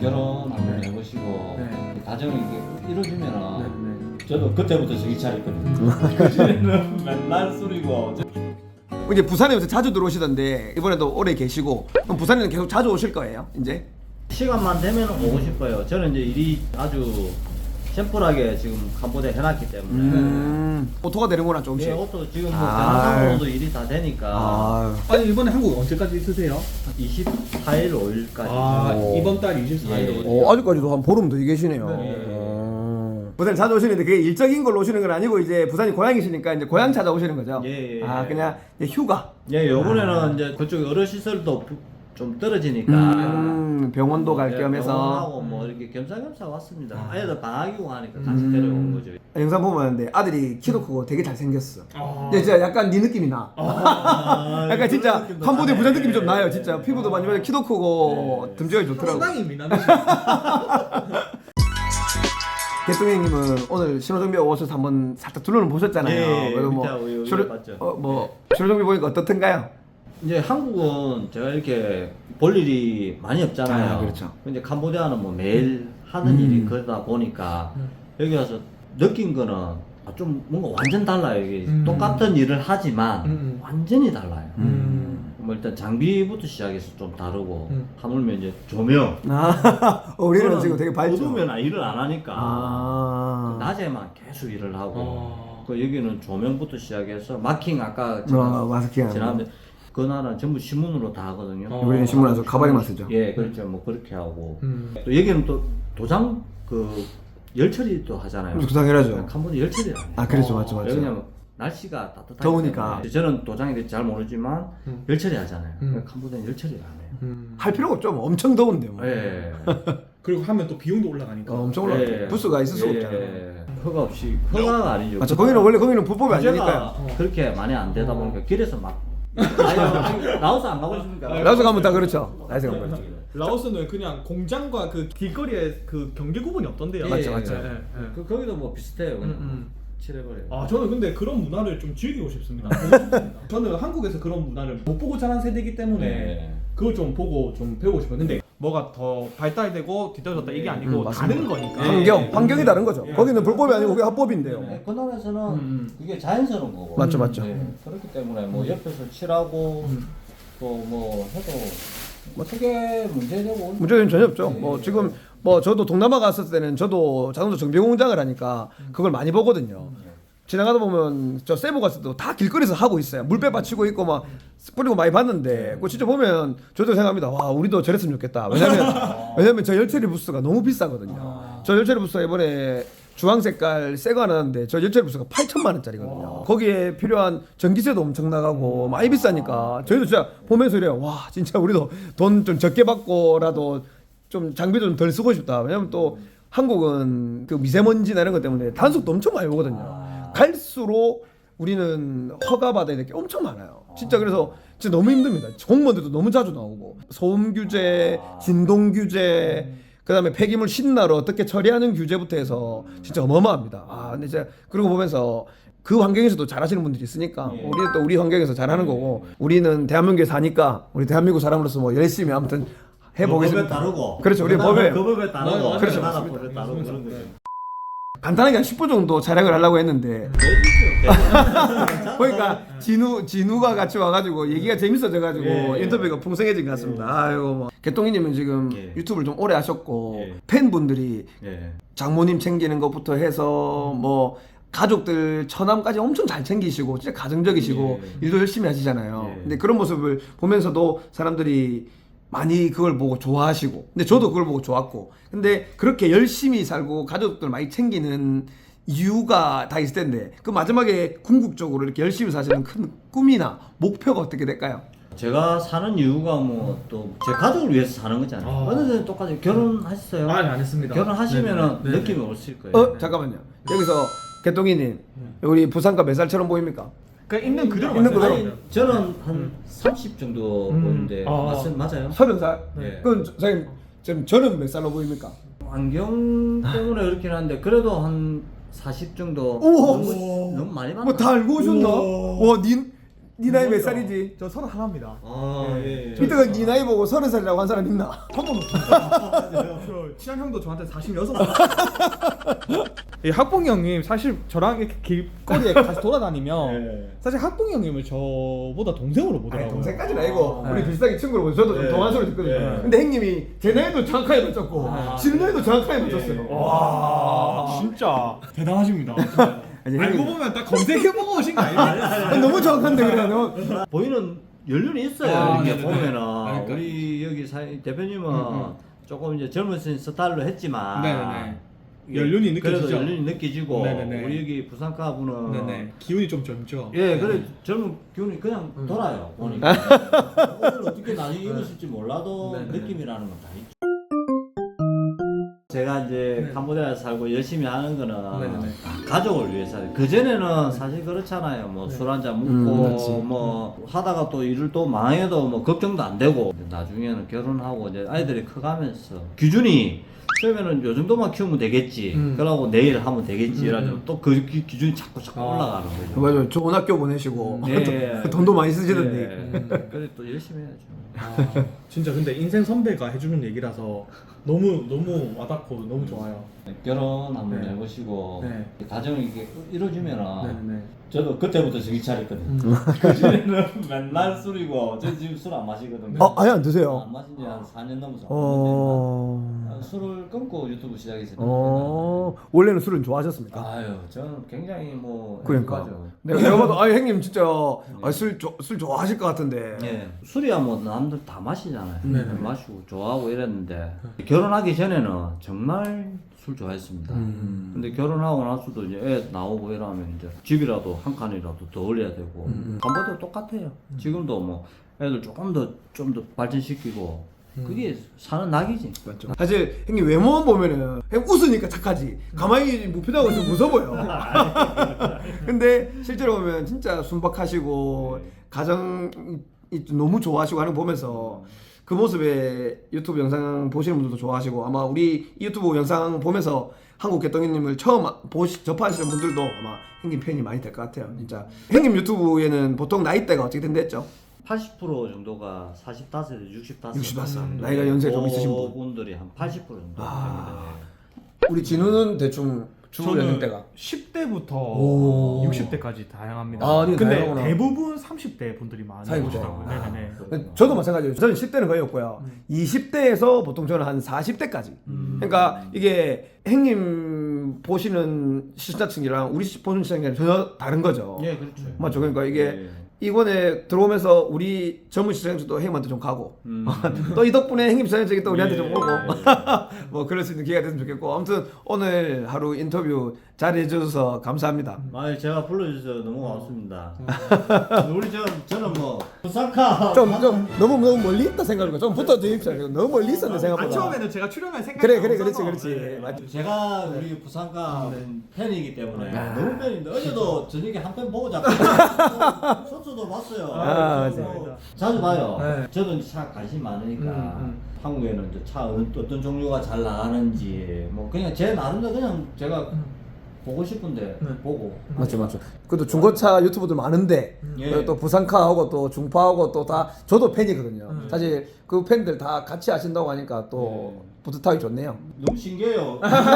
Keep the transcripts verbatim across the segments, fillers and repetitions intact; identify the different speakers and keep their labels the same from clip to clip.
Speaker 1: 결혼 한번 해보시고
Speaker 2: 네.
Speaker 1: 가정이 이게 이루어지면은
Speaker 2: 네, 네.
Speaker 1: 저도 그때부터 정신 차렸거든요. 그전에는 맨날 술이고.
Speaker 3: 이제 부산에 요새 자주 들어오시던데 이번에도 오래 계시고 그럼 부산에는 계속 자주 오실 거예요 이제?
Speaker 1: 시간만 되면 오고 싶어요. 저는 이제 일이 아주 심플하게 지금 캄보디아 해놨기 때문에.
Speaker 3: 음, 오토가 되는구나 조금씩.
Speaker 1: 예, 옷도 지금 뭐
Speaker 3: 아.
Speaker 1: 대한항공으로도 일이 다 되니까
Speaker 3: 아,
Speaker 2: 아니 이번에 한국 언제까지 있으세요?
Speaker 1: 이십사 일, 오 일까지.
Speaker 2: 아
Speaker 3: 오.
Speaker 2: 이번 달 이십사 일.
Speaker 1: 예.
Speaker 3: 어, 아직까지도 한 보름 더 계시네요.
Speaker 2: 네.
Speaker 3: 어. 부산 자주 오시는데 그게 일적인 걸로 오시는 건 아니고 이제 부산이 고향이시니까 이제 고향 찾아오시는 거죠?
Speaker 1: 예, 예,
Speaker 3: 아
Speaker 1: 예.
Speaker 3: 그냥 이제 휴가.
Speaker 1: 예, 요번에는 이제 그쪽 여러 시설도 부- 좀 떨어지니까.
Speaker 3: 음, 병원도 갈
Speaker 1: 예,
Speaker 3: 겸 해서
Speaker 1: 병원하고 뭐 이렇게 겸사겸사 왔습니다.
Speaker 3: 아.
Speaker 1: 아이들 방학이고 하니까 같이
Speaker 3: 음.
Speaker 1: 데려온 거죠.
Speaker 3: 영상 보면 아는데 아들이 키도 크고 되게 잘생겼어.
Speaker 2: 아.
Speaker 3: 근데 진짜 약간 네 느낌이 나.
Speaker 1: 아,
Speaker 3: 약간 진짜
Speaker 1: 그런 느낌도
Speaker 3: 캄보디아 부산
Speaker 1: 나네.
Speaker 3: 느낌이 좀 나요. 진짜 피부도 많이 봐서 키도 크고
Speaker 1: 네.
Speaker 3: 듬직하게 좋더라고.
Speaker 2: 상당히 미남이시.
Speaker 3: 개똥이 형님은 오늘 신호정비 오셔서 한번 살짝 둘러는 보셨잖아요.
Speaker 1: 예,
Speaker 3: 그래서 뭐
Speaker 1: 밑에 여기
Speaker 3: 신호-
Speaker 1: 봤죠.
Speaker 3: 어, 뭐 신호정비 보니까 어떻던가요?
Speaker 1: 이제 한국은 제가 이렇게 볼 일이 많이 없잖아요.
Speaker 3: 아, 그렇죠.
Speaker 1: 근데 캄보디아는 뭐 매일 하는
Speaker 3: 음.
Speaker 1: 일이 그러다 보니까 여기 와서 느낀 거는 아, 좀 뭔가 완전 달라요. 이게
Speaker 2: 음.
Speaker 1: 똑같은 일을 하지만
Speaker 2: 음, 음.
Speaker 1: 완전히 달라요.
Speaker 2: 음.
Speaker 1: 뭐 일단 장비부터 시작해서 좀 다르고
Speaker 2: 음.
Speaker 1: 하물며 이제 조명.
Speaker 3: 아, 어, 우리는
Speaker 1: 저는
Speaker 3: 지금 되게 밝죠.
Speaker 1: 어두우면 일을 안 하니까
Speaker 3: 아.
Speaker 1: 낮에만 계속 일을 하고
Speaker 2: 어.
Speaker 1: 그 여기는 조명부터 시작해서 마킹 아까
Speaker 3: 어, 마스킹 하는
Speaker 1: 지난번에 그 나라는 전부 신문으로 다 하거든요.
Speaker 2: 어.
Speaker 3: 우리는 신문하서 가발에만 쓰죠.
Speaker 1: 예, 그렇죠. 뭐 그렇게 하고
Speaker 2: 음.
Speaker 1: 또 여기는 또 도장 그 열처리도 하잖아요.
Speaker 3: 구상해라죠.
Speaker 1: 캄보디아 열처리를 안 해요.
Speaker 3: 아, 그렇죠,
Speaker 2: 어.
Speaker 3: 맞죠, 맞죠.
Speaker 1: 왜냐면 날씨가 따뜻하기
Speaker 3: 더우니까.
Speaker 1: 때문에. 저는 도장에 대해 잘 모르지만
Speaker 2: 음.
Speaker 1: 열처리 하잖아요.
Speaker 2: 음.
Speaker 1: 캄보디아는 열처리를 안 해요.
Speaker 2: 음.
Speaker 3: 할 필요가 없죠. 뭐 엄청 더운데 뭐.
Speaker 1: 예.
Speaker 2: 그리고 하면 또 비용도 올라가니까.
Speaker 3: 어, 엄청 올라.
Speaker 1: 예.
Speaker 3: 부스가 있을 수가
Speaker 1: 예.
Speaker 3: 없잖아요.
Speaker 1: 허가 없이 허가가 아니죠.
Speaker 3: 맞죠. 거기는 원래 거기는 불법이
Speaker 1: 규제가
Speaker 3: 아니니까요.
Speaker 1: 그렇게 많이 안 되다
Speaker 2: 어.
Speaker 1: 보니까 길에서 막 아유, 라오스 안 가보십니까?
Speaker 3: 라오스 가면 다 그렇죠. 라오스 가면 그렇죠.
Speaker 2: 라오스는 그냥 공장과 그 길거리에 그 경계 구분이 없던데요.
Speaker 1: 예,
Speaker 3: 맞죠,
Speaker 1: 예,
Speaker 3: 맞죠.
Speaker 1: 예.
Speaker 2: 예, 예.
Speaker 1: 그 거기도 뭐 비슷해요. 그냥
Speaker 2: 음, 음.
Speaker 1: 칠해버려요.
Speaker 2: 아 저는 근데 그런 문화를 좀 즐기고 싶습니다. 보고 싶습니다. 저는 한국에서 그런 문화를 못 보고 자란 세대이기 때문에
Speaker 1: 네.
Speaker 2: 그걸 좀 보고 좀 배우고 싶어요. 근데 뭐가 더 발달되고 뒤떨어졌다 이게 아니고
Speaker 3: 음, 맞습니다.
Speaker 2: 다른 거니까.
Speaker 3: 환경,
Speaker 1: 예.
Speaker 3: 환경이 다른 거죠.
Speaker 2: 예.
Speaker 3: 거기는 불법이 아니고 그게 합법인데요.
Speaker 1: 네, 그 나라에서는
Speaker 2: 음.
Speaker 1: 그게 자연스러운 거고.
Speaker 3: 맞죠, 맞죠.
Speaker 1: 네, 그렇기 때문에 뭐 옆에서 칠하고
Speaker 2: 음.
Speaker 1: 또 뭐 해도 뭐 크게 문제되고
Speaker 3: 문제는 전혀 없죠.
Speaker 1: 예.
Speaker 3: 뭐 지금 뭐 저도 동남아 갔을 때는 저도 자동차 정비 공장을 하니까 그걸 많이 보거든요. 지나가다 보면 저 세부 갔을 때도 다 길거리에서 하고 있어요. 물배 받치고 있고 막 뿌리고 많이 봤는데 그거 진짜 보면 저도 생각합니다. 와 우리도 저랬으면 좋겠다. 왜냐면 왜냐면 저 열처리 부스가 너무 비싸거든요. 저 열처리 부스가 이번에 주황 색깔 새 거 하나 나왔는데 저 열처리 부스가 팔천만 원짜리거든요. 거기에 필요한 전기세도 엄청 나가고 많이 비싸니까 저희도 진짜 보면서 이래요. 와 진짜 우리도 돈 좀 적게 받고라도 좀 장비도 좀 덜 쓰고 싶다. 왜냐면 또 한국은 그 미세먼지나 이런 것 때문에 단속도 엄청 많이 오거든요. 갈수록 우리는 허가 받아야 될 게 엄청 많아요. 진짜 그래서 진짜 너무 힘듭니다. 공무원들도 너무 자주 나오고 소음 규제, 진동 규제, 그다음에 폐기물 신나로 어떻게 처리하는 규제부터 해서 진짜 어마어마합니다. 아 근데 제가 그러고 보면서 그 환경에서도 잘하시는 분들이 있으니까
Speaker 1: 예.
Speaker 3: 우리는 또 우리 환경에서 잘하는 거고 우리는 대한민국에 사니까 우리 대한민국 사람으로서 뭐 열심히 아무튼 해보겠습니다.
Speaker 1: 법에 따르고.
Speaker 3: 그렇죠. 우리
Speaker 1: 그 나라
Speaker 3: 법에
Speaker 1: 그 법에 따르고.
Speaker 2: 맞아요.
Speaker 3: 그렇죠.
Speaker 1: 그 나라
Speaker 2: 맞습니다.
Speaker 1: 법에 따르고
Speaker 2: 맞습니다.
Speaker 1: 그런 거죠.
Speaker 3: 간단하게 한 십 분 정도 촬영을 하려고 했는데
Speaker 1: 내주죠.
Speaker 3: 보니까 진우 진우가 같이 와가지고 얘기가 재밌어져가지고
Speaker 1: 예, 예.
Speaker 3: 인터뷰가 풍성해진 것 같습니다. 아이고 뭐 개똥이님은 지금
Speaker 1: 예.
Speaker 3: 유튜브를 좀 오래 하셨고
Speaker 1: 예.
Speaker 3: 팬분들이
Speaker 1: 예.
Speaker 3: 장모님 챙기는 것부터 해서 뭐 가족들 처남까지 엄청 잘 챙기시고 진짜 가정적이시고
Speaker 1: 예.
Speaker 3: 일도 열심히 하시잖아요.
Speaker 1: 예.
Speaker 3: 근데 그런 모습을 보면서도 사람들이 많이 그걸 보고 좋아하시고 근데 저도 그걸 보고 좋았고 근데 그렇게 열심히 살고 가족들 많이 챙기는 이유가 다 있을 텐데 그 마지막에 궁극적으로 이렇게 열심히 사시는 큰 꿈이나 목표가 어떻게 될까요?
Speaker 1: 제가 사는 이유가 뭐 또 제 가족을 위해서 사는 거잖아요.
Speaker 2: 아.
Speaker 1: 어느 데 똑같이 결혼하셨어요?
Speaker 2: 아니 안 했습니다.
Speaker 1: 결혼하시면은
Speaker 2: 네네.
Speaker 1: 느낌이 오실 거예요.
Speaker 3: 어 잠깐만요. 여기서 개똥이님 우리 부산가 몇 살처럼 보입니까?
Speaker 2: 그냥 있는 그대로
Speaker 3: 있는 그대로.
Speaker 1: 아니, 저는 한 삼십 정도
Speaker 2: 음.
Speaker 1: 보는데
Speaker 2: 아.
Speaker 1: 맞, 맞아요?
Speaker 3: 서른 살?
Speaker 1: 네.
Speaker 3: 그럼 저- 선생님 지금 저는 몇 살로 보입니까?
Speaker 1: 안경 때문에 그렇긴 한데 그래도 한 사십 정도
Speaker 3: 우와.
Speaker 1: 너무, 너무 많이 봤나?
Speaker 3: 뭐 다 알고 오셨나?
Speaker 2: 우와.
Speaker 3: 와, 닌 네 나이 몇 살이지?
Speaker 2: 저 서른 하나입니다.
Speaker 1: 아, 예. 예.
Speaker 3: 이때가 네 나이 보고 서른 살이라고 한 사람 있나?
Speaker 2: 한 번 없습니다. 저 친한 형도 저한테 사십육 살. 이 학봉이 형님 사실 저랑 이렇게 길거리에 같이 돌아다니면
Speaker 1: 네.
Speaker 2: 사실 학봉이 형님을 저보다 동생으로
Speaker 3: 아니
Speaker 2: 보더라고요.
Speaker 3: 동생까지는 아니고
Speaker 2: 네.
Speaker 3: 우리 비슷하게 친구로 보죠. 저도 좀
Speaker 1: 네.
Speaker 3: 동안 소리 듣거든요.
Speaker 1: 네.
Speaker 3: 근데 형님이 제 나이도 정확하게 맞췄고
Speaker 1: 아,
Speaker 3: 지금
Speaker 1: 네.
Speaker 3: 나이도 정확하게 맞췄어요.
Speaker 1: 네.
Speaker 2: 와 진짜 대단하십니다.
Speaker 3: 아니,
Speaker 2: 알고
Speaker 3: 형님-
Speaker 2: 보면 딱 검색해보고 오신 거 아니에요?
Speaker 3: 아, 너무 정확한데 그래. 너무
Speaker 1: 보이는 연륜이 있어요.
Speaker 2: 아,
Speaker 1: 이렇게
Speaker 2: 네네네.
Speaker 1: 보면은
Speaker 2: 그러니까.
Speaker 1: 우리 여기 사, 대표님은
Speaker 2: 음, 음.
Speaker 1: 조금 이제 젊으신 스타일로 했지만
Speaker 2: 네네네.
Speaker 1: 이게
Speaker 2: 연륜이 느껴지죠?
Speaker 1: 그래도 연륜이 느껴지고
Speaker 2: 네네네.
Speaker 1: 우리 여기 부산가 분은
Speaker 2: 네네. 기운이 좀 젊죠.
Speaker 1: 예, 그래 젊은 기운이 그냥
Speaker 2: 음.
Speaker 1: 돌아요. 보니까 오늘 어떻게 나중에 이루실지 몰라도
Speaker 2: 네네네.
Speaker 1: 느낌이라는 건 다 있죠. 제가 이제
Speaker 2: 네.
Speaker 1: 캄보디아에 살고 열심히 하는 거는
Speaker 2: 네네네.
Speaker 1: 다 가족을 위해서 그 전에는 사실 그렇잖아요. 뭐 술 한잔
Speaker 3: 음,
Speaker 1: 먹고
Speaker 3: 그렇지.
Speaker 1: 뭐 하다가 또 일을 또 망해도 뭐 걱정도 안 되고 나중에는 결혼하고 이제 아이들이 커가면서 기준이 처음에는 요 정도만 키우면 되겠지.
Speaker 3: 음.
Speaker 1: 그러고 내일 하면 되겠지.
Speaker 2: 음.
Speaker 1: 이래가지고 또 그 기준이 자꾸 자꾸
Speaker 2: 아.
Speaker 1: 올라가는 거죠.
Speaker 3: 맞아요. 좋은 학교 보내시고
Speaker 1: 네.
Speaker 3: 돈도 많이 쓰시던데.
Speaker 1: 네. 그래 또 열심히 해야죠.
Speaker 2: 아, 진짜 근데 인생 선배가 해주는 얘기라서 너무 너무 와닿고 너무 좋아요.
Speaker 1: 결혼 한번
Speaker 2: 네.
Speaker 1: 해보시고
Speaker 2: 네.
Speaker 1: 가정이 이게 이루어지면은
Speaker 2: 네네.
Speaker 1: 저도 그때부터 정신 차렸거든요.
Speaker 2: 음.
Speaker 1: 그전에는 맨날 술이고 저 지금 술 안 마시거든요.
Speaker 3: 어, 아예 안 드세요?
Speaker 1: 안 마신 지 한 사 년 넘어서
Speaker 3: 어.
Speaker 1: 아, 술을 끊고 유튜브 시작했어요.
Speaker 3: 어. 원래는 술은 좋아하셨습니까?
Speaker 1: 아유, 저는 굉장히 뭐
Speaker 3: 그러니까.
Speaker 1: 행복하죠.
Speaker 3: 내가 내가 봐도 아 형님 진짜 아, 술, 조, 술 좋아하실 것 같은데.
Speaker 1: 예, 술이야 뭐 남들 다 마시잖아요.
Speaker 2: 네.
Speaker 1: 마시고 좋아하고 이랬는데 결혼하기 전에는 정말 술 좋아했습니다.
Speaker 3: 음.
Speaker 1: 근데 결혼하고 나서도 이제 애 나오고 이러면 이제 집이라도 한 칸이라도 더 올려야 되고
Speaker 3: 음.
Speaker 1: 캄보디아 똑같아요. 지금도 뭐 애들 조금 더 좀 더 발전시키고 그게 사는 낙이지.
Speaker 3: 맞죠. 사실 형님 외모만 보면은 그냥 웃으니까 착하지. 가만히 무표정하고 있으면 무서워 보여. 근데 실제로 보면 진짜 순박하시고 가정이 좀 너무 좋아하시고 하는 거 보면서 그 모습에 유튜브 영상 보시는 분들도 좋아하시고 아마 우리 이 유튜브 영상 보면서 한국 개똥이님을 처음 보시, 접하시는 분들도 아마 형님 팬이 많이 될 것 같아요. 진짜 형님 유튜브에는 보통 나이대가 어떻게 된댔죠?
Speaker 1: 팔십 퍼센트 정도가 사십오에서 육십오.
Speaker 3: 육십오 살. 나이가 연세 좀 있으신 분.
Speaker 1: 분들이 한 팔십 퍼센트 정도
Speaker 3: 아.
Speaker 1: 됩니다.
Speaker 3: 우리 진우는 대충 주 연령대가
Speaker 2: 십 대부터
Speaker 3: 오.
Speaker 2: 육십 대까지 다양합니다.
Speaker 3: 아, 네,
Speaker 2: 근데
Speaker 3: 다양하구나.
Speaker 2: 대부분 삼십 대 분들이 많이
Speaker 3: 사이구나.
Speaker 2: 오시더라고요.
Speaker 3: 아.
Speaker 2: 네네네.
Speaker 3: 저도 마찬가지예요. 저는 십 대는 거의 없고요. 이십 대에서 보통 저는 한 사십 대까지. 그러니까 이게 형님 보시는 시청자층이랑 우리 보는 시청자층이랑 전혀 다른 거죠.
Speaker 1: 예, 그렇죠.
Speaker 3: 맞죠. 그러니까 이게
Speaker 1: 예.
Speaker 3: 이번에 들어오면서 우리 젊은 시청자층도 형님한테 좀 가고
Speaker 1: 음.
Speaker 3: 또 이 덕분에 형님 시청자층이 또 우리한테 좀
Speaker 1: 예.
Speaker 3: 오고 뭐 그럴 수 있는 기회가 됐으면 좋겠고 아무튼 오늘 하루 인터뷰 잘해 주셔서 감사합니다.
Speaker 1: 아, 제가 불러주셔서 너무 고맙습니다. 우리 저 저는 뭐 부산카
Speaker 3: 좀 좀 너무 너무 멀리 있다 생각하니까 좀 붙어 주십시오. 너무 멀리 있었네
Speaker 2: 아,
Speaker 3: 생각보다.
Speaker 2: 처음에는 제가 출연할 생각이
Speaker 3: 그래 그래
Speaker 2: 없어서.
Speaker 3: 그렇지 그렇지
Speaker 2: 네.
Speaker 3: 맞죠.
Speaker 1: 제가 우리 부산가 팬이기 때문에
Speaker 2: 네.
Speaker 1: 너무 팬인데 어제도 저녁에 한 편 보고 자고 선수도 봤어요.
Speaker 3: 아,
Speaker 1: 그래서
Speaker 3: 맞아요.
Speaker 1: 뭐 자주 봐요.
Speaker 2: 네.
Speaker 1: 저도 이제 차 관심 많으니까
Speaker 2: 음, 음.
Speaker 1: 한국에는 이제 차 어떤, 어떤 종류가 잘 나가는지 뭐 그냥 제 나름대로 그냥 제가 보고 싶은데
Speaker 2: 네.
Speaker 1: 보고
Speaker 3: 맞죠 맞죠. 그래도 중고차 유튜버들 많은데
Speaker 1: 예.
Speaker 3: 그리고 또 부산카하고 또 중파하고 또 다 저도 팬이거든요.
Speaker 2: 음.
Speaker 3: 사실 그 팬들 다 같이 하신다고 하니까 또
Speaker 1: 예.
Speaker 3: 뿌듯하기 좋네요.
Speaker 1: 너무 신기해요.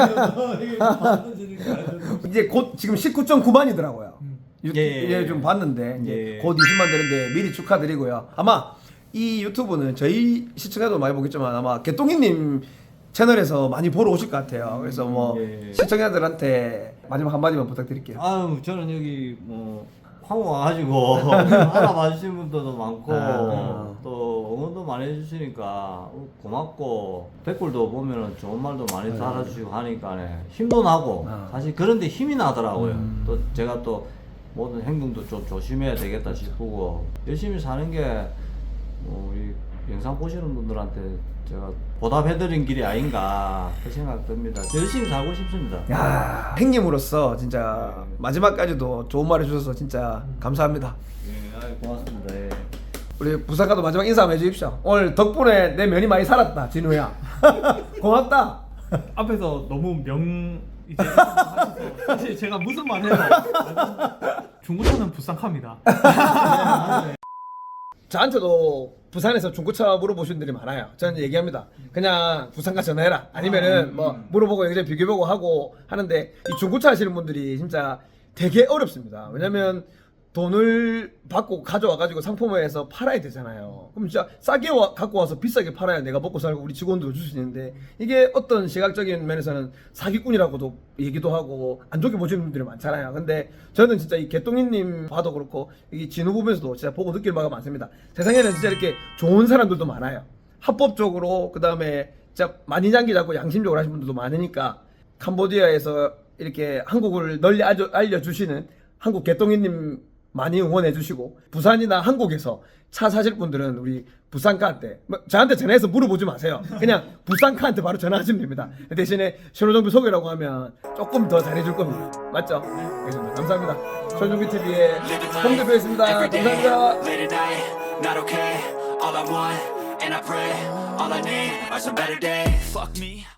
Speaker 1: 이게 만들어지니까.
Speaker 3: 이제 곧 지금 십구 점 구만이더라고요. 유,
Speaker 1: 예, 예,
Speaker 3: 예, 좀 봤는데 이제
Speaker 1: 예.
Speaker 3: 곧 이십만 되는데 미리 축하드리고요. 아마 이 유튜브는 저희 시청자도 많이 보겠지만 아마 개똥이님 채널에서 많이 보러 오실 것 같아요. 그래서 뭐
Speaker 1: 예.
Speaker 3: 시청자들한테 마지막 한마디만 부탁드릴게요.
Speaker 1: 아유 저는 여기 뭐 황후 와가지고 알아봐 주시는 분들도 많고
Speaker 3: 아.
Speaker 1: 또 응원도 많이 해주시니까 고맙고 댓글도 보면은 좋은 말도 많이 달아주시고 하니까 힘도 나고
Speaker 3: 아.
Speaker 1: 사실 그런데 힘이 나더라고요.
Speaker 3: 음.
Speaker 1: 또 제가 또 모든 행동도 좀 조심해야 되겠다 싶고 열심히 사는 게 뭐, 이 영상 보시는 분들한테 제가 보답해드린 길이 아닌가 그 생각 듭니다. 열심히 살고 싶습니다.
Speaker 3: 야, 행님으로서 진짜 마지막까지도 좋은 말 해주셔서 진짜 감사합니다.
Speaker 1: 예, 아유, 고맙습니다. 예.
Speaker 3: 우리 부산가도 마지막 인사 한번 해주십시오. 오늘 덕분에 내 면이 많이 살았다, 진우야. 고맙다.
Speaker 2: 앞에서 너무 명 이제 사실 제가 무슨 말 해도 중고차는 부산카입니다.
Speaker 3: 저한테도 부산에서 중고차 물어보신 분들이 많아요. 저는 얘기합니다. 그냥 부산가 전화해라. 아니면은 뭐 물어보고 여기저기 비교보고 하고 하는데 이 중고차 하시는 분들이 진짜 되게 어렵습니다. 왜냐면 돈을 받고 가져와가지고 상품화해서 팔아야 되잖아요. 그럼 진짜 싸게 와, 갖고 와서 비싸게 팔아야 내가 먹고 살고 우리 직원도 줄 수 있는데 이게 어떤 시각적인 면에서는 사기꾼이라고도 얘기도 하고 안 좋게 보시는 분들이 많잖아요. 근데 저는 진짜 이 개똥이님 봐도 그렇고 이 진우 보면서도 진짜 보고 느낄 바가 많습니다. 세상에는 진짜 이렇게 좋은 사람들도 많아요. 합법적으로 그 다음에 진짜 많이 장기 잡고 양심적으로 하시는 분들도 많으니까 캄보디아에서 이렇게 한국을 널리 알려, 알려주시는 한국 개똥이님 많이 응원해 주시고 부산이나 한국에서 차 사실 분들은 우리 부산카한테 뭐 저한테 전화해서 물어보지 마세요. 그냥 부산카한테 바로 전화하시면 됩니다. 대신에 신호정비 소개라고 하면 조금 더 잘해줄 겁니다. 맞죠? 알겠습니다. 감사합니다. 신호정비 티비의 홍 대표였습니다. 감사합니다.
Speaker 4: Late at night, not okay. All I want, and I pray, all I need are some better days. Fuck me.